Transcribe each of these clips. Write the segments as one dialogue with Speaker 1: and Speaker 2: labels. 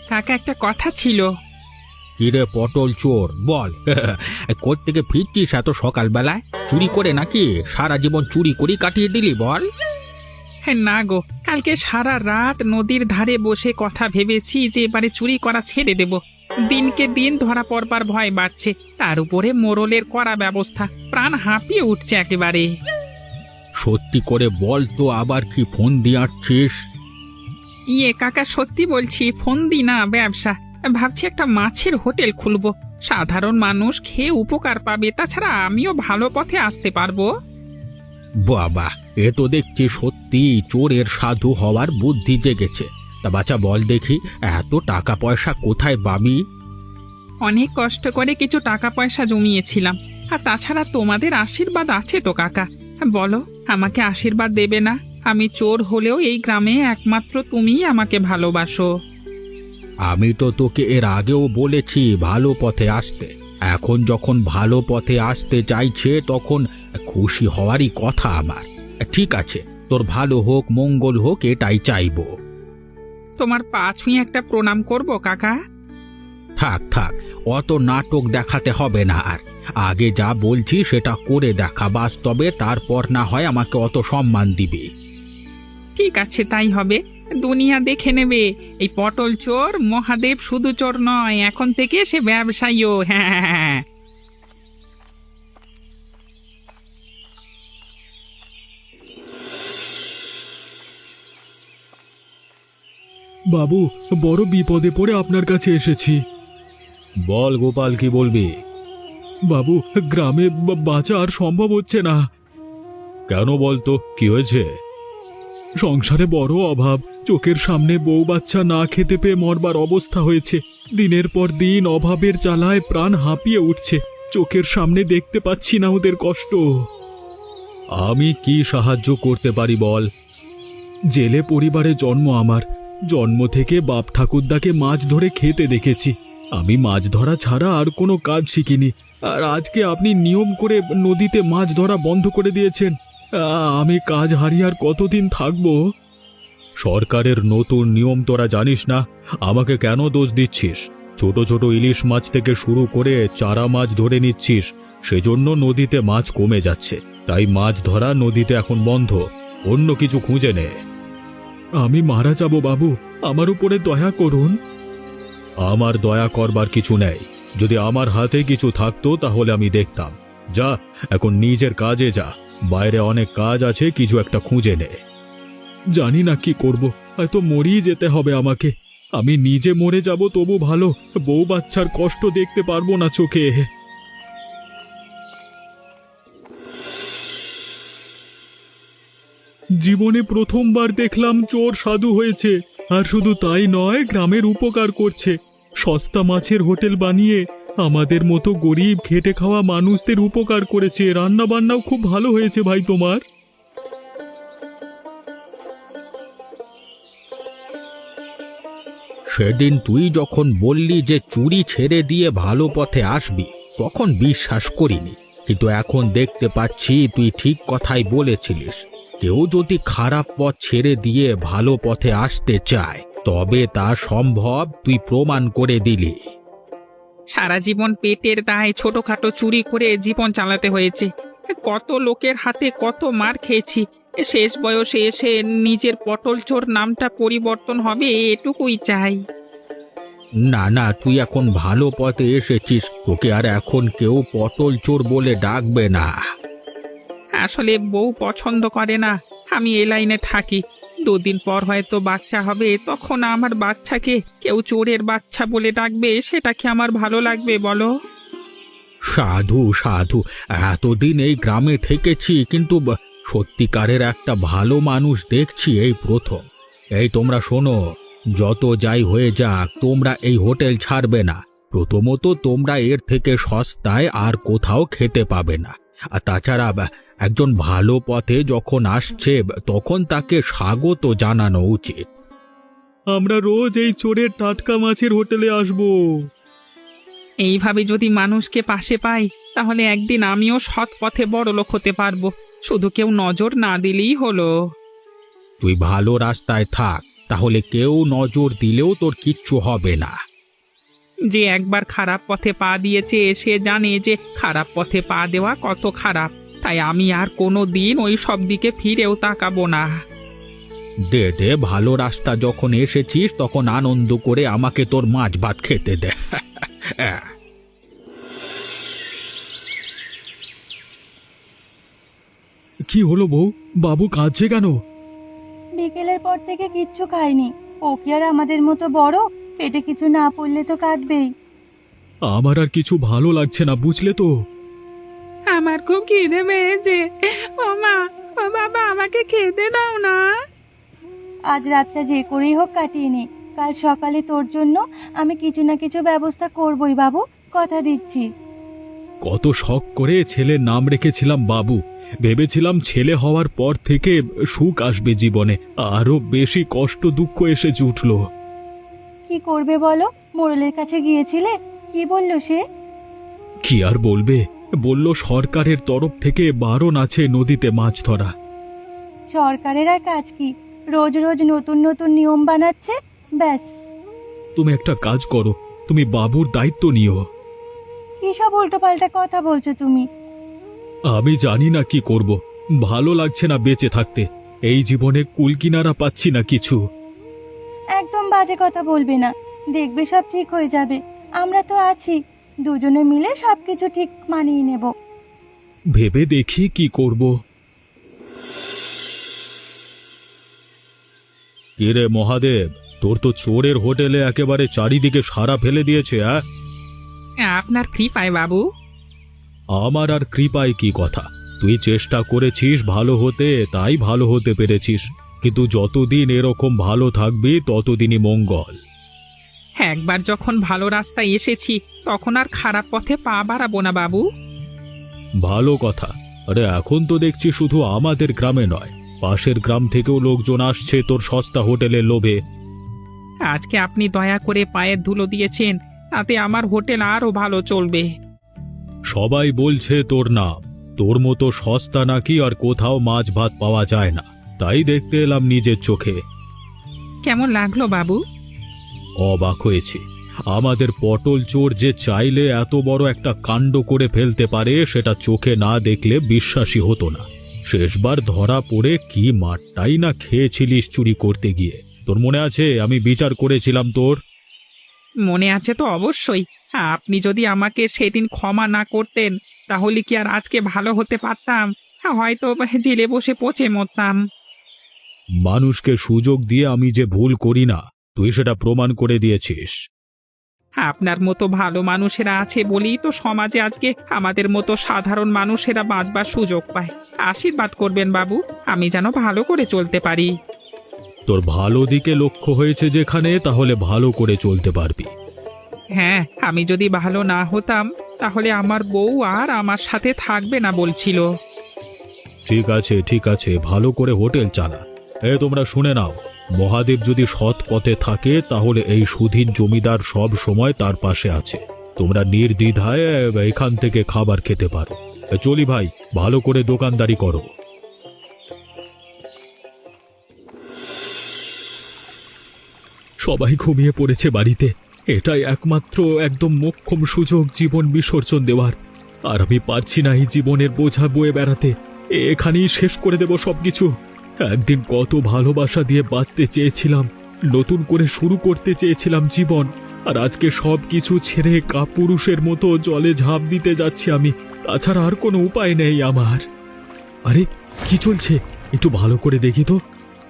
Speaker 1: কাকা, একটা কথা ছিল।
Speaker 2: কিরে পটল চোর, বল। কোত্থেকে ফিরছিস এত সকালবেলায়? চুরি করে নাকি? সারা জীবন চুরি করি কাটিয়ে দিলি, বল।
Speaker 1: হ্যাঁ না গো, কালকে সারা রাত নদীর ধারে বসে কথা ভেবেছি যে এবারে চুরি করা ছেড়ে দেব। দিনকে দিন ধরা পড়বার ভয় বাড়ছে, তার উপরে মোড়লের করা ব্যবস্থা, প্রাণ হাঁপিয়ে উঠছে একেবারে।
Speaker 2: সত্যি করে বল তো, আবার কি ফোন দিয়ে আসছিস?
Speaker 1: কাকা, সত্যি বলছি, ফোন দি না, ব্যবসা ভাবছি একটা মাছের হোটেল খুলবো। সাধারণ মানুষ খেয়ে উপকার পাবে, তাছাড়া আমিও ভালো পথে আসতে পারবো।
Speaker 2: বাবা, এ তো দেখছি সত্যি চোরের সাধু হওয়ার বুদ্ধি জেগেছে। তা বাচ্চা বল দেখি, এত টাকা পয়সা কোথায় পাবি?
Speaker 1: অনেক কষ্ট করে কিছু টাকা পয়সা জমিয়েছিলাম, আর তাছাড়া তোমাদের আশীর্বাদ আছে তো কাকা। বলো, আমাকে আশীর্বাদ দেবে না? আমি চোর হলেও এই গ্রামে একমাত্র তুমিই আমাকে ভালোবাসো।
Speaker 2: আমি তো তোকে এর আগেও বলেছি ভালো পথে আসতে। এখন যখন ভালো পথে আসতে চাইছে তখন খুশি হওয়ারই কথা আমার। ঠিক আছে, তোর ভালো হোক, মঙ্গল হোক, এটাই চাইবো।
Speaker 1: তোমার পা ছুঁয়ে একটা প্রণাম করব কাকা।
Speaker 2: থাক থাক, অত নাটক দেখাতে হবে না আর। আগে যা বলছি সেটা করে দেখা বাস্তবে, তারপর না হয় আমাকে অত সম্মান দিবি।
Speaker 1: ঠিক আছে, তাই হবে। দুনিয়া দেখে নেবে, এই পটল চোর মহাদেব শুধু চোর নয়, এখন থেকে সে ব্যবসায়ীও। হ্যাঁ।
Speaker 3: বাবু, বড় বিপদে পড়ে আপনার কাছে এসেছি।
Speaker 2: বল গোপাল, কি বলবি?
Speaker 3: বাবু, গ্রামে বাঁচা আর সম্ভব হচ্ছে না।
Speaker 2: কেন বলতো, কি হয়েছে?
Speaker 3: সংসারে বড় অভাব, চোখের সামনে বউ বাচ্চা না খেতে পেয়ে মরবার অবস্থা হয়েছে। দিনের পর দিন অভাবের জ্বালায় প্রাণ হাঁপিয়ে উঠছে। চোখের সামনে দেখতে পাচ্ছি না ওদের কষ্ট।
Speaker 2: আমি কি সাহায্য করতে পারি বল?
Speaker 3: জেলে পরিবারে জন্ম আমার। জন্ম থেকে বাপ ঠাকুরদাকে মাছ ধরে খেতে দেখেছি। আমি মাছ ধরা ছাড়া আর কোনো কাজ শিখিনি, আর আজকে আপনি নিয়ম করে নদীতে মাছ ধরা বন্ধ করে দিয়েছেন। আমি কাজ হারিয়ে আর কতদিন থাকবো?
Speaker 2: সরকারের নতুন নিয়ম তোরা জানিস না? আমাকে কেন দোষ দিচ্ছিস? ছোট ছোট ইলিশ মাছ থেকে শুরু করে চারা মাছ ধরে নিচ্ছিস, সেজন্য নদীতে মাছ কমে যাচ্ছে। তাই মাছ ধরা নদীতে এখন বন্ধ। অন্য কিছু খুঁজে নে।
Speaker 3: আমি মারা যাব বাবু, আমার উপরে দয়া করুন।
Speaker 2: আমার দয়া করবার কিছু নেই। যদি আমার হাতে কিছু থাকতো তাহলে আমি দেখতাম। যা, এখন নিজের কাজে যা। বাইরে অনেক কাজ আছে, কিছু একটা খুঁজে নে।
Speaker 3: জানি না কি করব, হয়তো মরেই যেতে হবে আমাকে। আমি নিজে মরে যাব তবু ভালো, বউ বাচ্চার কষ্ট দেখতে পারবো না চোখে। জীবনে প্রথমবার দেখলাম চোর সাধু হয়েছে। আর শুধু তাই নয়, গ্রামের উপকার করছে। সস্তা মাছের হোটেল বানিয়ে আমাদের মতো গরিব খেটে খাওয়া মানুষদের উপকার করেছে। রান্না বান্নাও খুব ভালো হয়েছে ভাই তোমার।
Speaker 2: সেদিন তুই যখন বললি যে চুরি ছেড়ে দিয়ে ভালো পথে আসবি, তখন বিশ্বাস করিনি। কিন্তু এখন দেখতে পাচ্ছি তুই ঠিক কথাই বলেছিলিস। কেউ যদি খারাপ পথ ছেড়ে দিয়ে ভালো পথে আসতে চায় তবে তা সম্ভব, তুই প্রমাণ করে দিলি।
Speaker 1: সারা জীবন পেটের দায়ে ছোটখাটো চুরি করে জীবন চালাতে হয়েছে। কত লোকের হাতে কত মার খেয়েছি। শেষ বয়সে এসে নিজের পটল চোর নামটা পরিবর্তন হবে, এটুকুই চাই।
Speaker 2: না না, তুই এখন ভালো পথে এসেছিস, তোকে আর এখন কেউ পটল চোর বলে ডাকবে না।
Speaker 1: আসলে বউ পছন্দ করে না আমি এ লাইনে থাকি। দুদিন পর হয়তো বাচ্চা হবে, তখন আমার বাচ্চাকে কেউ চোরের বাচ্চা বলে ডাকবে, সেটা কি আমার ভালো লাগবে বলো?
Speaker 2: সাধু সাধু, এতদিন এই গ্রামে থেকেছি, কিন্তু সত্যিকারের একটা ভালো মানুষ দেখছি এই প্রথম। এই তোমরা শোনো, যত যাই হয়ে যাক, তোমরা এই হোটেল ছাড়বে না। প্রথমত তোমরা এর থেকে সস্তায় আর কোথাও খেতে পাবে না। আর তাছাড়া একজন ভালো পথে যখন আসছে তখন তাকে স্বাগত জানানো উচিত।
Speaker 3: আমরা রোজ এই চোরের টাটকা মাছের হোটেলে আসবো।
Speaker 1: এইভাবে যদি মানুষকে পাশে পাই, তাহলে একদিন আমিও সৎ পথে বড়লোক হতে পারবো। শুধু কেউ নজর না দিলেই হলো।
Speaker 2: তুই ভালো রাস্তায় থাক, তাহলে কেউ নজর দিলেও তোর কিচ্ছু হবে না।
Speaker 1: যে একবার খারাপ পথে পা দিয়েছে সে জানে যে খারাপ পথে পা দেওয়া কত খারাপ, তাই আমি আর কোনো দিন ওই সব দিকে ফিরেও তাকাবো না।
Speaker 2: দে দে, ভালো রাস্তা যখন এসেছিস তখন আনন্দ করে আমাকে তোর মাছ ভাত খেতে দে।
Speaker 3: কি হলো বউ, বাবু কাঁদছে কেন?
Speaker 4: বিকেলের পর থেকে কিচ্ছু খায়নি। ও কি আর আমাদের মতো বড়? পেটে কিছু না পড়লে তো কাঁদবেই।
Speaker 3: আমার আর কিছু ভালো লাগছে না, বুঝলে তো।
Speaker 1: আমার খুব খিদে পেয়েছে। ও মা, ও বাবা, আমাকে খেতে দাও না।
Speaker 4: আজ রাতটা যে করেই হোক কাটিয়ে নে। কাল সকালে তোর জন্য আমি কিছু না কিছু ব্যবস্থা করবই বাবু, কথা দিচ্ছি।
Speaker 3: কত শখ করে ছেলের নাম রেখেছিলাম বাবু। ভেবেছিলাম ছেলে হওয়ার পর থেকে সুখ আসবে জীবনে, আরো বেশি কষ্ট দুঃখ এসে জুটল।
Speaker 4: কি করবে বলো? মোড়লের কাছে গিয়েছিলে, কি বলল সে?
Speaker 3: কি আর বলবে, বলল সরকারের তরফ থেকে বারণ আছে নদীতে মাছ ধরা।
Speaker 4: সরকারের আর কাজ কি? রোজ রোজ নতুন নতুন নিয়ম বানাচ্ছে, ব্যাস।
Speaker 3: তুমি একটা কাজ করো, তুমি বাবুর দায়িত্ব নিও।
Speaker 4: কি সব উল্টোপাল্টা কথা বলছো তুমি?
Speaker 3: আমি জানি না কি করব, ভালো লাগছে না বেঁচে থাকতে। এই জীবনে কুলকিনারা পাচ্ছি না কিছু।
Speaker 4: একদম বাজে কথা বলবে না, দেখবে সব ঠিক হয়ে যাবে। আমরা তো আছি, দুজনে মিলে সবকিছু ঠিক মানিয়ে নেব।
Speaker 3: ভেবে দেখি কি করব। কিরে মহাদেব, তোর তো চোরের হোটেলে একেবারে চারিদিকে সারা ফেলে দিয়েছে।
Speaker 1: আপনার কৃপায় বাবু।
Speaker 3: আমার আর কৃপায় কি কথা, তুই চেষ্টা করেছিস ভালো হতে, তাই ভালো হতে পেরেছিস। কিন্তু যতদিন এরকম ভালো থাকবি ততদিনই মঙ্গল।
Speaker 1: একবার যখন ভালো রাস্তায় এসেছি তখন আর খারাপ পথে পা বাড়াবো না বাবু।
Speaker 3: ভালো কথা। আরে এখন তো দেখছি শুধু আমাদের গ্রামে নয়, পাশের গ্রাম থেকেও লোকজন আসছে তোর সস্তা হোটেলের লোভে।
Speaker 1: আজকে আপনি দয়া করে পায়ের ধুলো দিয়েছেন, তাতে আমার হোটেল আরও ভালো চলবে।
Speaker 3: সবাই বলছে তোর নাম, তোর মতো সস্তা নাকি আর কোথাও মাছ ভাত পাওয়া যায় না, তাই দেখতে এলাম নিজের চোখে।
Speaker 1: কেমন লাগলো বাবু?
Speaker 3: অবাক হয়েছি। আমাদের পটল চোর যে চাইলে এত বড় একটা কাণ্ড করে ফেলতে পারে সেটা চোখে না দেখলে বিশ্বাসই হতো না। শেষবার ধরা পড়ে কি মারটাই না খেয়েছিলিস চুরি করতে গিয়ে, তোর মনে আছে? আমি বিচার করেছিলাম তোর।
Speaker 1: মনে আছে তো অবশ্যই। আপনি যদি আমাকে সেদিন ক্ষমা না করতেন তাহলে কি আর আজকে ভালো হতে পারতাম? হয়তো জেলে বসে পচে মরতাম।
Speaker 3: মানুষকে সুযোগ দিয়ে আমি যে ভুল করি না, তুই সেটা প্রমাণ করে দিয়েছিস।
Speaker 1: আপনার মতো ভালো মানুষেরা আছে বলেই তো সমাজে আজকে আমাদের মতো সাধারণ মানুষেরা বাঁচবার সুযোগ পায়। আশীর্বাদ করবেন বাবু, আমি যেন ভালো করে চলতে পারি।
Speaker 3: তোর ভালো দিকে লক্ষ্য হয়েছে যেখানে, তাহলে ভালো করে চলতে পারবি।
Speaker 1: হ্যাঁ, আমি যদি ভালো না হতাম তাহলে আমার বউ আর আমার সাথে থাকবে না বলছিল।
Speaker 3: ঠিক আছে ঠিক আছে, ভালো করে হোটেল চালা। তোমরা শুনে নাও, মহাদেব যদি সৎ পথে থাকে তাহলে এই সুধীন জমিদার সব সময় তার পাশে আছে। তোমরা নির্দ্বিধায় এখান থেকে খাবার খেতে পারো। চলি ভাই, ভালো করে দোকানদারি করো। সবাই ঘুমিয়ে পড়েছে বাড়িতে, এটাই একমাত্র একদম মোক্ষম সুযোগ জীবন বিসর্জন দেওয়ার। আর আমি পারছি না এই জীবনের বোঝা বয়ে বেড়াতে। এখানেই শেষ করে দেব সবকিছু। একদিন কত ভালোবাসা দিয়ে বাঁচতে চেয়েছিলাম, নতুন করে শুরু করতে চেয়েছিলাম জীবন, আর আজকে সব কিছু ছেড়ে কাপুরুষের মতো জলে ঝাঁপ দিতে যাচ্ছি আমি। তাছাড়া আর কোনো উপায় নেই আমার। আরে কি চলছে, একটু ভালো করে দেখি তো।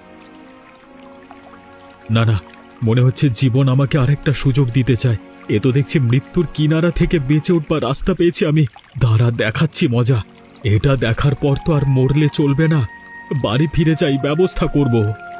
Speaker 3: না না, মনে হচ্ছে জীবন আমাকে আরেকটা সুযোগ দিতে চায়। এ তো দেখছি মৃত্যুর কিনারা থেকে বেঁচে উঠবার রাস্তা পেয়েছি আমি। দাঁড়া, দেখাচ্ছি মজা। এটা দেখার পর তো আর মরলে চলবে না, বাড়ি ফিরে যাই, ব্যবস্থা করব।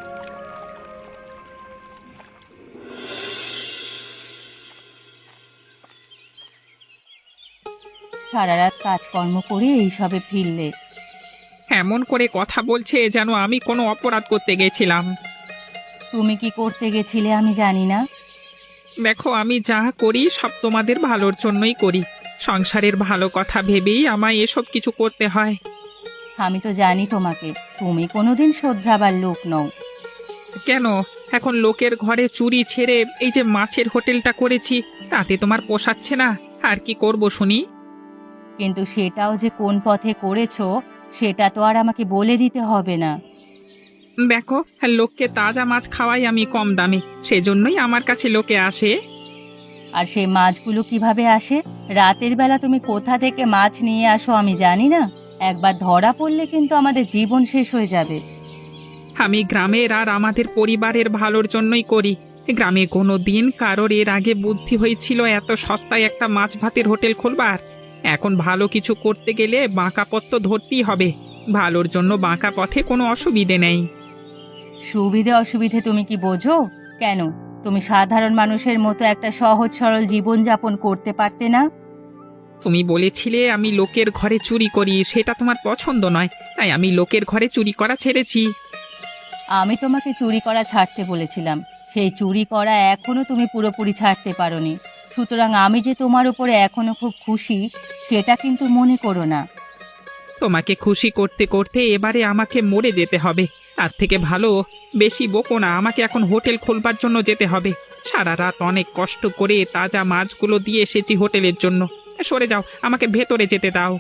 Speaker 4: সারা রাত কাজকর্ম করে এইসবে ফিরলে?
Speaker 1: এমন করে কথা বলছে যেন আমি কোনো অপরাধ করতে গেছিলাম।
Speaker 4: তুমি কি করতে গেছিলে আমি জানি না।
Speaker 1: দেখো, আমি যা করি সব তোমাদের ভালোর জন্যই করি। সংসারের ভালো কথা ভেবেই আমায় এসব কিছু করতে হয়।
Speaker 4: আমি তো জানি তোমাকে, তুমি কোনোদিন শোধরাবার লোক নও।
Speaker 1: কেন, এখন লোকের ঘরে চুরি ছেড়ে এই যে মাছের হোটেলটা করেছি, তাতে তোমার পোষাচ্ছে না। আর কি করব শুনি?
Speaker 4: কিন্তু সেটাও যে কোন পথে করেছো সেটা তো আর আমাকে বলে দিতে হবে না।
Speaker 1: দেখো, লোককে তাজা মাছ খাওয়াই আমি কম দামে, সেজন্যই আমার কাছে লোকে আসে।
Speaker 4: আর সেই মাছগুলো কিভাবে আসে? রাতের বেলা তুমি কোথা থেকে মাছ নিয়ে আসো আমি জানি না। একবার ধরা পড়লে কিন্তু আমাদের জীবন শেষ হয়ে যাবে।
Speaker 1: আমি গ্রামের আর আমাদের পরিবারের ভালোর জন্যই করি। গ্রামে কোনো দিন কারোর এর আগে বুদ্ধি হয়েছিল এত সস্তায় একটা মাছ ভাতের হোটেল খুলবার? এখন ভালো কিছু করতে গেলে বাঁকা পথ তো ধরতেই হবে। ভালোর জন্য বাঁকা পথে কোনো অসুবিধে নেই।
Speaker 4: সুবিধে অসুবিধে তুমি কি বোঝো? কেন তুমি সাধারণ মানুষের মতো একটা সহজ সরল জীবনযাপন করতে পারতে না?
Speaker 1: তুমি বলেছিলে আমি লোকের ঘরে চুরি করি, সেটা তোমার পছন্দ নয়, তাই আমি লোকের ঘরে চুরি করা ছেড়েছি।
Speaker 4: আমি তোমাকে চুরি করা ছাড়তে বলেছিলাম, সেই চুরি করা এখনো তুমি পুরোপুরি ছাড়তে পারোনি। সুতরাং আমি যে তোমার উপরে এখনো খুব খুশি সেটা কিন্তু মনে করো না।
Speaker 1: তোমাকে খুশি করতে করতে এবারে আমাকে মরে যেতে হবে। তার থেকে ভালো বেশি বকো না, আমাকে এখন হোটেল খোলবার জন্য যেতে হবে। সারা রাত অনেক কষ্ট করে তাজা মাছগুলো দিয়ে এসেছি হোটেলের জন্য। সরে যাও, আমাকে ভেতরে যেতে দাও।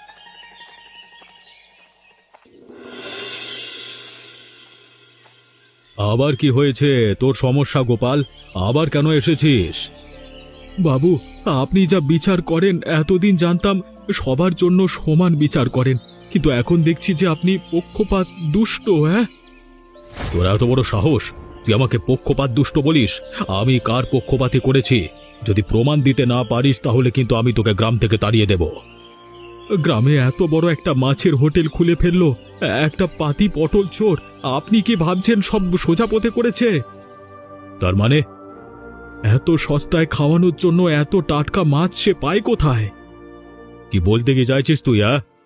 Speaker 2: আবার কি হয়েছে তোর সমস্যা গোপাল? আবার কেন এসেছিস?
Speaker 3: বাবু, আপনি যা বিচার করেন এতদিন জানতাম সবার জন্য সমান বিচার করেন, কিন্তু এখন দেখছি যে আপনি পক্ষপাত দুষ্ট। হ্যাঁ,
Speaker 2: তোর এত বড় সাহস, তুই আমাকে পক্ষপাত দুষ্ট বলিস? আমি কার পক্ষপাতী করেছি? যদি প্রমাণ দিতে না পারিস তাহলে কিন্তু আমি তোকে গ্রাম থেকে তাড়িয়ে দেব।
Speaker 3: গ্রামে এত বড় একটা মাছের হোটেল খুলে ফেললো একটা পাতি পটল চোর। আপনি কি ভাবছেন সব সোজা পথে করেছে?
Speaker 2: তার মানে?
Speaker 3: এত সস্তায় খাওয়ানোর জন্য এত টাটকা মাছ সে পায় কোথায়?
Speaker 2: কি বলতে কি চাইছিস তুই?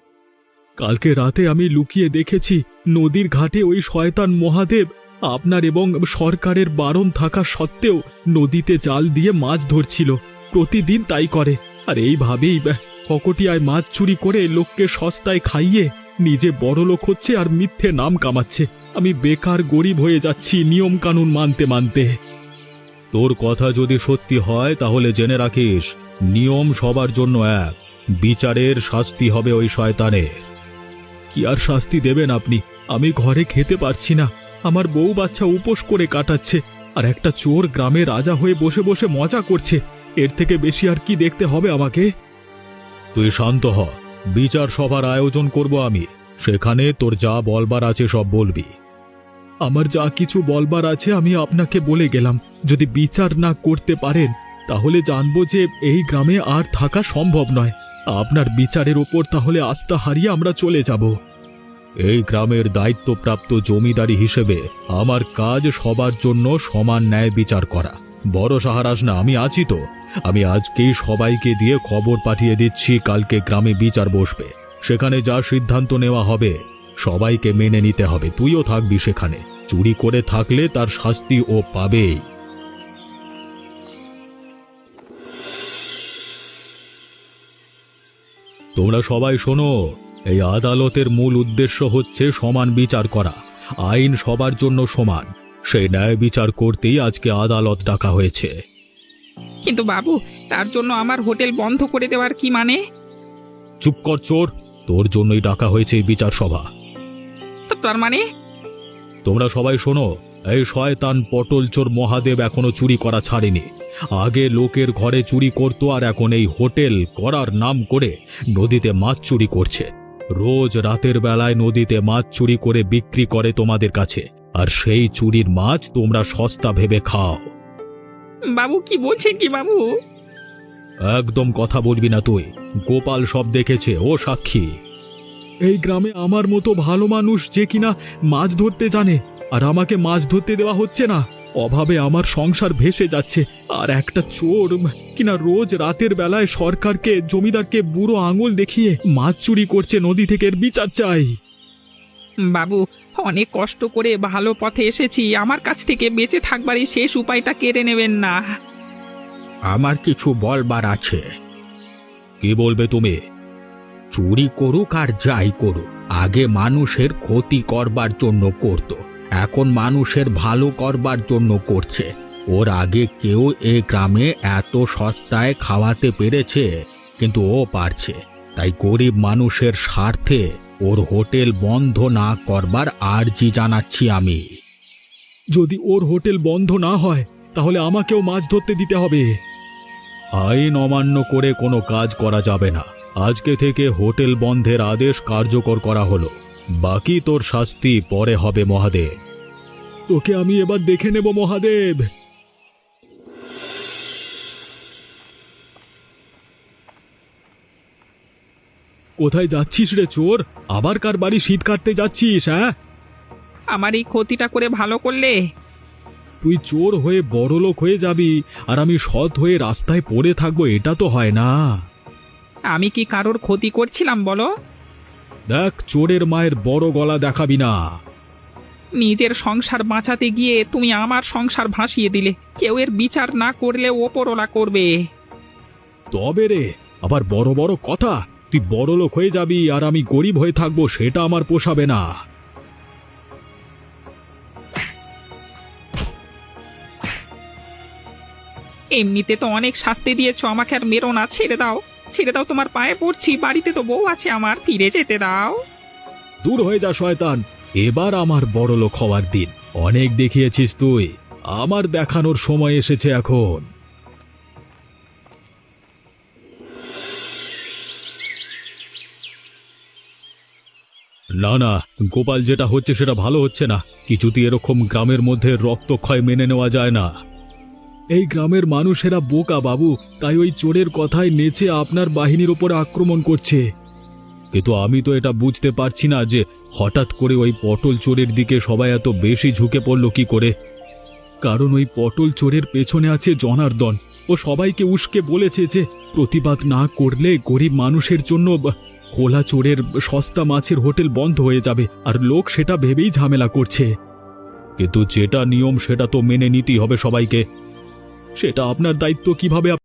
Speaker 3: কালকে রাতে আমি লুকিয়ে দেখেছি নদীর ঘাটে ওই শয়তান মহাদেব আপনার এবং সরকারের বারণ থাকা সত্ত্বেও নদীতে জাল দিয়ে মাছ ধরছিল। প্রতিদিন তাই করে, আর এইভাবেই ফকটিয়ায় মাছ চুরি করে লোককে সস্তায় খাইয়ে নিজে বড়লোক হচ্ছে আর মিথ্যে নাম কামাচ্ছে। আমি বেকার গরিব হয়ে যাচ্ছি নিয়ম কানুন মানতে মানতে।
Speaker 2: তোর কথা যদি সত্যি হয় তাহলে জেনে রাখিস, নিয়ম সবার জন্য এক, বিচারের শাস্তি হবে ওই শয়তানের।
Speaker 3: কি আর শাস্তি দেবেন আপনি? আমি ঘরে খেতে পারছি না, আমার বউ বাচ্চা উপোস করে কাটাচ্ছে, আর একটা চোর গ্রামে রাজা হয়ে বসে বসে মজা করছে। এর থেকে বেশি আর কি দেখতে হবে আমাকে?
Speaker 2: তুই শান্ত হ, বিচার সভার আয়োজন করব আমি, সেখানে তোর যা বলবার আছে সব বলবি।
Speaker 3: আমার যা কিছু বলবার আছে আমি আপনাকে বলে গেলাম। যদি বিচার না করতে পারেন তাহলে জানবো যে এই গ্রামে আর থাকা সম্ভব নয়। আপনার বিচারের ওপর তাহলে আস্থা হারিয়ে আমরা চলে যাব।
Speaker 2: এই গ্রামের দায়িত্বপ্রাপ্ত জমিদারি হিসেবে আমার কাজ সবার জন্য সমান ন্যায় বিচার করা। বড় সাহারাস না, আমি আছি তো। আমি আজকেই সবাইকে দিয়ে খবর পাঠিয়ে দিচ্ছি, কালকে গ্রামে বিচার বসবে। সেখানে যা সিদ্ধান্ত নেওয়া হবে সবাইকে মেনে নিতে হবে। তুইও থাকবি সেখানে। চুরি করে থাকলে তার শাস্তি ও পাবেই। তোমরা সবাই শোনো, এই আদালতের মূল উদ্দেশ্য হচ্ছে সমান বিচার করা। আইন সবার জন্য সমান, সেই ন্যায় বিচার করতেই আজকে আদালত ডাকা হয়েছে।
Speaker 1: কিন্তু বাবু, তার জন্য আমার হোটেল বন্ধ করে দেওয়ার কি মানে?
Speaker 2: চুপ কর চোর, তোর জন্যই ডাকা হয়েছে এই বিচার সভা।
Speaker 1: তার মানে?
Speaker 2: তোমরা সবাই শোনো, এই শয়তান পটল চোর মহাদেব এখনো চুরি করা ছাড়েনি। আগে লোকের ঘরে চুরি করত, আর এখন এই হোটেল করার নাম করে নদীতে মাছ চুরি করছে। রোজ রাতের বেলায় নদীতে মাছ চুরি করে বিক্রি করে তোমাদের কাছে, আর সেই চুরির মাছ তোমরা সস্তা ভেবে খাও।
Speaker 1: বাবু কি বলছেন কি বাবু?
Speaker 2: একদম কথা বলবি না তুই। গোপাল সব দেখেছে, ও সাক্ষী।
Speaker 3: এই গ্রামে আমার মতো ভালো মানুষ যে কিনা মাছ ধরতে জানে, আর আমাকে মাছ ধরতে দেওয়া হচ্ছে না। অভাবে আমার সংসার ভেসে যাচ্ছে, আর একটা চোর কিনা রোজ রাতের বেলায় সরকারকে জমিদারকে বুড়ো আঙুল দেখিয়ে মাছ চুরি করছে নদী থেকে। এর বিচার চাই।
Speaker 1: বাবু, অনেক কষ্ট করে ভালো পথে এসেছি, আমার কাছ থেকে বেঁচে থাকবার এই শেষ উপায়টা কেড়ে নেবেন না।
Speaker 2: আমার কিছু বলবার আছে। কি বলবে তুমি? চুরি করুক আর যাই করুক, আগে মানুষের ক্ষতি করবার জন্য করত, এখন মানুষের ভালো করবার জন্য করছে। ওর আগে কেউ এ গ্রামে এত সস্তায় খাওয়াতে পেরেছে, কিন্তু ও পারছে। তাই গরিব মানুষের স্বার্থে ওর হোটেল বন্ধ না করবার আর্জি জানাচ্ছি আমি।
Speaker 3: যদি ওর হোটেল বন্ধ না হয় তাহলে আমাকেও মাছ ধরতে দিতে হবে।
Speaker 2: আইন অমান্য করে কোনো কাজ করা যাবে না। আজকে থেকে হোটেল বন্ধের আদেশ কার্যকর করা হলো। বাকি তোর শাস্তি পরে হবে মহাদেব।
Speaker 3: তোকে আমি এবার দেখে নেব মহাদেব। কোথায় যাচ্ছিস রে চোর? আবার কার বাড়ি শীত কাটতে যাচ্ছিস? হ্যাঁ,
Speaker 1: আমার এই ক্ষতিটা করে ভালো করলে।
Speaker 3: তুই চোর হয়ে বড়লোক হয়ে যাবি আর আমি সৎ হয়ে রাস্তায় পড়ে থাকবো, এটা তো হয় না।
Speaker 1: আমি কি কারোর ক্ষতি করছিলাম বলো?
Speaker 3: দেখ, চোরের মায়ের বড় গলা দেখাবি না।
Speaker 1: নিজের সংসার বাঁচাতে গিয়ে তুমি আমার সংসার ভাসিয়ে দিলে। কেউ এর বিচার না করলে ওপরওয়ালা করবে।
Speaker 3: তবে রে, আবার বড় বড় কথা। তুই বড়লোক হয়ে যাবি আর আমি গরিব হয়ে থাকবো, সেটা আমার পোষাবে না।
Speaker 1: এমনিতে তো অনেক শাস্তি দিয়েছো আমাকে, আর মেরো না। ছেড়ে দাও, ছেড়ে দাও, তোমার পায়ে পড়ছি। বাড়িতে তো বউ আছে আমার, ফিরে যেতে দাও।
Speaker 3: দূর হয়ে যা শয়তান, এবার আমার বড়লোক হওয়ার দিন। অনেক দেখিয়েছিস তুই, আমার দেখানোর সময় এসেছে এখন। না না, গোপাল, যেটা হচ্ছে সেটা ভালো হচ্ছে না। কিছুতেই এরকম গ্রামের মধ্যে রক্তক্ষয় মেনে নেওয়া যায় না। এই গ্রামের মানুষেরা বোকা বাবু, তাই ওই চোরের কথায় নেচে আপনার বাহিনীর উপরে আক্রমণ করছে। কিন্তু আমি তো এটা বুঝতে পারছি না যে হঠাৎ করে ওই পটল চোরের দিকে সবাই এত বেশি ঝুঁকে পড়ল কি করে। কারণ ওই পটল চোরের পেছনে আছে জনার্দন। ও সবাইকে উস্কে বলেছে যে প্রতিবাদ না করলে গরিব মানুষের জন্য খোলা চোরের সস্তা মাছের হোটেল বন্ধ হয়ে যাবে, আর লোক সেটা ভেবেই ঝামেলা করছে। কিন্তু যেটা নিয়ম সেটা তো মেনে নিতেই হবে সবাইকে। সেটা আপনার দায়িত্ব, কিভাবে